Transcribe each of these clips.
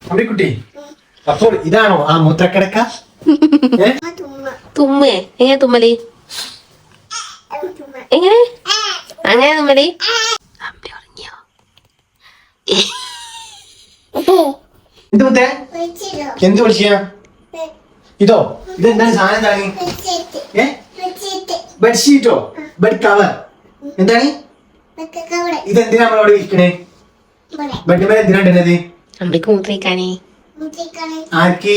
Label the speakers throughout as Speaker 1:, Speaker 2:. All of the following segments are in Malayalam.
Speaker 1: അമ്മിക്കുട്ടി, അപ്പോൾ ഇതാണോ ആ മൂത്രക്കിടക്ക?
Speaker 2: തുമ്മേ എങ്ങനെ തുമ്മല്? എങ്ങനെ അങ്ങനെ തുമ്മല്? അമ്മ ഉറങ്ങിയോ?
Speaker 1: എന്ത് മുത്തേ? എന്ത് വിളിച്ചാ? ഇതോ? ഇതെന്താണ് സാധനം? ബെഡ്ഷീറ്റോ? Bed cover? എന്താണ് ഇതെന്തിനാ നമ്മളവിടെ ഇരിക്കണേ? ബെഡ് മേലെ എന്തിനാ ഇടുന്നത്?
Speaker 2: അമ്മക്ക് മൂത്രയിക്കാനേ.
Speaker 1: ആർക്ക്?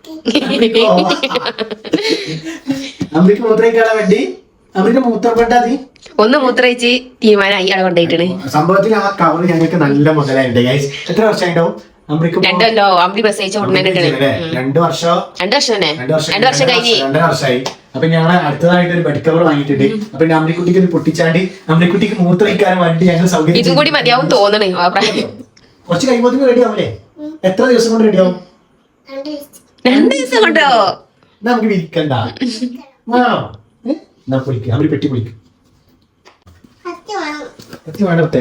Speaker 1: അമ്മക്ക് മൂത്രയിക്കാളെ ബെഡ്? അമ്മക്ക് മൂത്രപ്പെട്ടാതി
Speaker 2: ഒന്ന് മൂത്രയിച്ച് തീരുമാനമായി അവിടെ കൊണ്ടുപോയിട്ടാണ്.
Speaker 1: സംഭവത്തിൽ ആ കവർ ഞങ്ങൾക്ക് നല്ല മുതലായിട്ടുണ്ട്. എത്ര വർഷമായിട്ടാവും?
Speaker 2: 2 കൊല്ലോ അമ്മ പ്രസവിച്ച ഉടനെ
Speaker 1: 2 വർഷം
Speaker 2: 2 വർഷം തന്നെ 2 വർഷം കഴിഞ്ഞ്
Speaker 1: 2 വർഷമായി. അപ്പൊ ഞങ്ങൾ അടുത്തതായിട്ട് ഒരു ബെഡ് കവർ വാങ്ങിയിട്ടുണ്ട്. അപ്പൊ അമ്മിക്കുട്ടിക്ക് ഇത് പൊട്ടിച്ചാണ്ട് അമ്മിക്കുട്ടിക്ക് മൂത്രയിക്കാൻ വേണ്ടി ഞങ്ങൾ സൗകര്യം
Speaker 2: ഇതും കൂടി മതിയാവും തോന്നണേ.
Speaker 1: കുറച്ച് കഴിയുമ്പോൾ റെഡി ആവൂലേ? എത്ര ദിവസം കൊണ്ട് റെഡി ആവും?
Speaker 2: 2 ദിവസം കൊണ്ടോ?
Speaker 1: നമുക്ക് വിരിക്കണ്ട. പൊളിക്കുക അവര് പെട്ടി പൊളിക്കും. കത്തി വേണ്ടേ?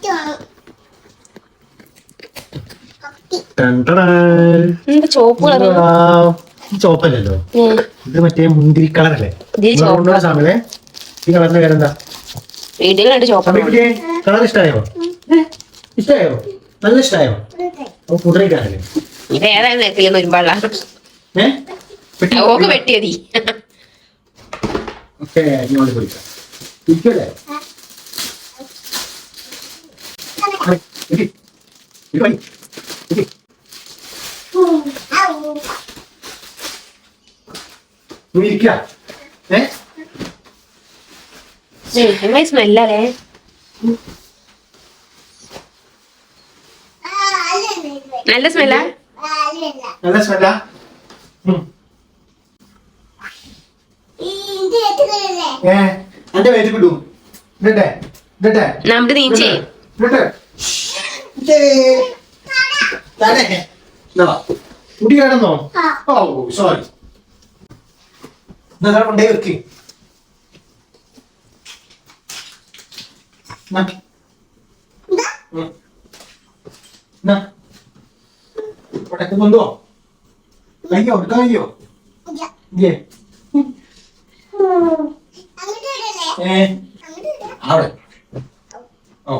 Speaker 1: ചോപ്പല്ലല്ലോ, ഇത് മറ്റേ മുന്തിരി കളറല്ലേ? സാമല്ലേ ഈ കളറിന്റെ പേരെന്താ? കളർ ഇഷ്ടായോ? ഇഷ്ടായോ? നല്ല ഇഷ്ടായോ? കുതിരക്കാരല്ലേ?
Speaker 2: വെട്ടിയതി സ്മെല്ലല്ലേ? നല്ല സ്മെല്ലാ?
Speaker 1: നല്ല സ്മെല്ലാ? എന്റെ പേര് കിട്ടൂ.
Speaker 2: നമ്മുടെ നീച്ചേ
Speaker 1: കുട്ടി കിടന്നോ? Oh sorry. കൊണ്ടേ വെക്ക്. ഉടക്കുന്നുണ്ടോ? കയ്യോ എടുക്കാൻ കഴിയോ? അവിടെ ഓ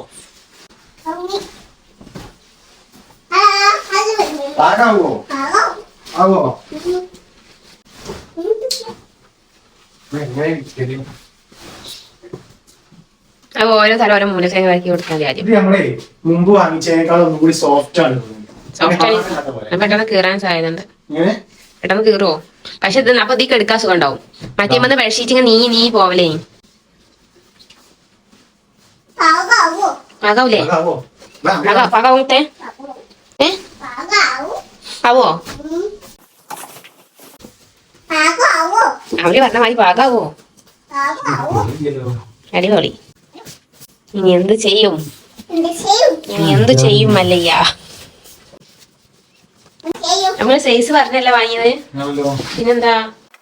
Speaker 1: ആകാവോ? ആവോ?
Speaker 2: ഓരോ തരം ഓരോ മൂലക്കങ്ങ് ഇറക്കി കൊടുക്കാൻ കാര്യം.
Speaker 1: നമ്മളെ മുമ്പ് വാങ്ങിച്ചതിനേക്കാൾ ഒന്നും കൂടി സോഫ്റ്റ് ആണ്.
Speaker 2: പെട്ടെന്ന് കീറാൻ സാധ്യതയുണ്ട്. പെട്ടെന്ന് കീറുവോ? പക്ഷെ ഇത് അപ്പൊ ഇതിക്ക് എടുക്കാൻ സുഖം ഉണ്ടാവും. മറ്റേ വന്ന് ബെഡ്ഷീറ്റ് നീ പോവലേ പാകാവൂലേ? പാകാവൂത്തെ ആവോ? അവര് പറഞ്ഞ മാതിരി പാകാവോ? അടിപൊളി. ഇനി എന്ത് ചെയ്യും? മല്ലയ്യ? നമ്മള് സൈസ് പറഞ്ഞല്ല വാങ്ങിയത്. പിന്നെന്താ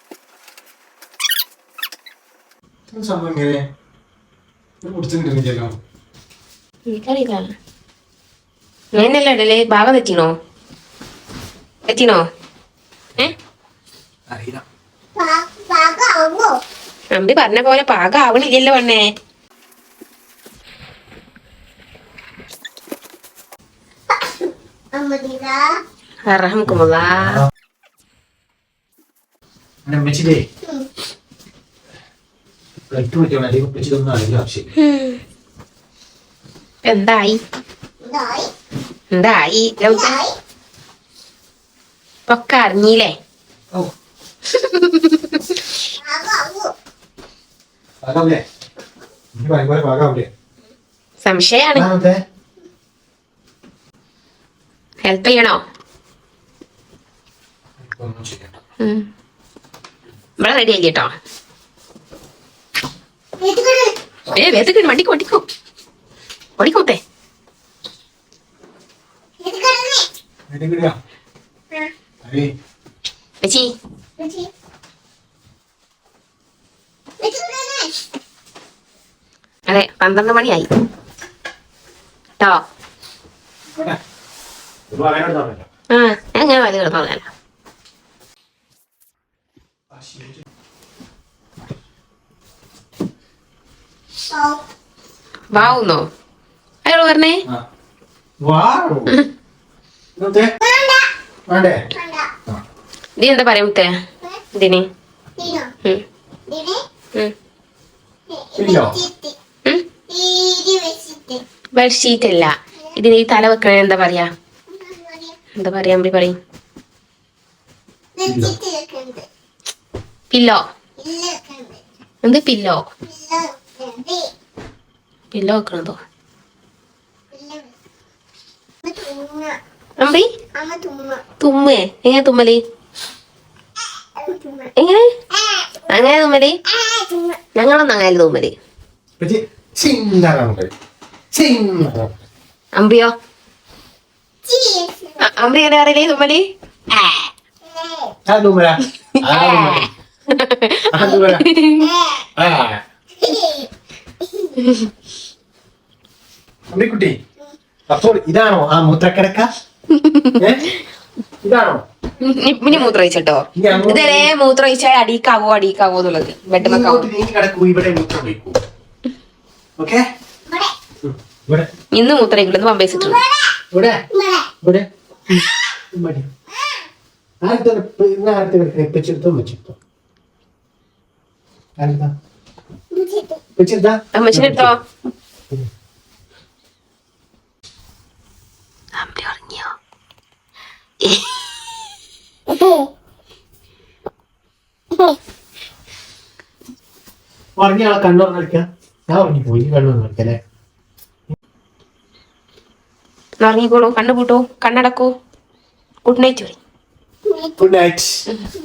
Speaker 2: എനിക്കറിയില്ല. അങ്ങനെയല്ല ഇടല്. ഭാഗം തെറ്റിനോ? അമ്പി പറഞ്ഞ പോലെ പാകം ആവണില്ലല്ലോ പെണ്ണേ. എന്തായി ഒക്കെ അറിഞ്ഞില്ലേ? സംശയാണ്. ഹെൽപ്പ് ചെയ്യണോ? ഇവിടെ റെഡി ആയി കേട്ടോ. ഓടിക്കോട്ടെ. അതെ 12 മണിയായി കേട്ടോ. അത് കിടന്നുറങ്ങാൻ. വാവുന്നോ അയാള് പറഞ്ഞേ? നീ എന്താ പറയാ മുത്തേ ഇതിന്? ബെഡ്ഷീറ്റ് അല്ല, ഇതിന് ഈ തല വെക്കണ എന്താ പറയാ? എന്താ പറയാ അമ്പി പറയും? പില്ലോ. എന്ത് പില്ലോ? പില്ലോ വെക്കണതോ അമ്പി? തുമ്മേ? എങ്ങനെ തുമ്മല്? എങ്ങനെ അങ്ങനെ തുമ്മല്? ഞങ്ങളൊന്നും അങ്ങനെ തുമ്മല്. അമ്പിയോ? അമ്പി എങ്ങനെ അറിയില്ലേ തുമ്മല്?
Speaker 1: അമ്പിക്കുട്ടി, അപ്പോൾ ഇതാണോ ആ മൂത്രക്കിടക്ക? ഇതാണോ?
Speaker 2: ഇനി മൂത്രമൊഴിച്ചോ? ഇതേ മൂത്രമൊഴിച്ചാൽ അടിക്കാവോ എന്നുള്ളത് ബെഡ്മക്കാവോ? ഇന്ന് മൂത്രമൊഴിക്കില്ലെന്ന് പമ്പേസിട്ടുണ്ട്. അമ്മച്ചിനെടുത്തോ? അമ്പി ഉറങ്ങിയോ?
Speaker 1: ഉറങ്ങിയ ആളെ കണ്ണുറന്ന് കളിക്കാം. ഞാൻ ഉറങ്ങിപ്പോയി, കണ്ണുറന്ന് കളിക്കല്ലേ.
Speaker 2: ഉറങ്ങിക്കോളൂ, കണ്ണു പൂട്ടൂ, കണ്ണടക്കൂ. Good night.
Speaker 1: Good night.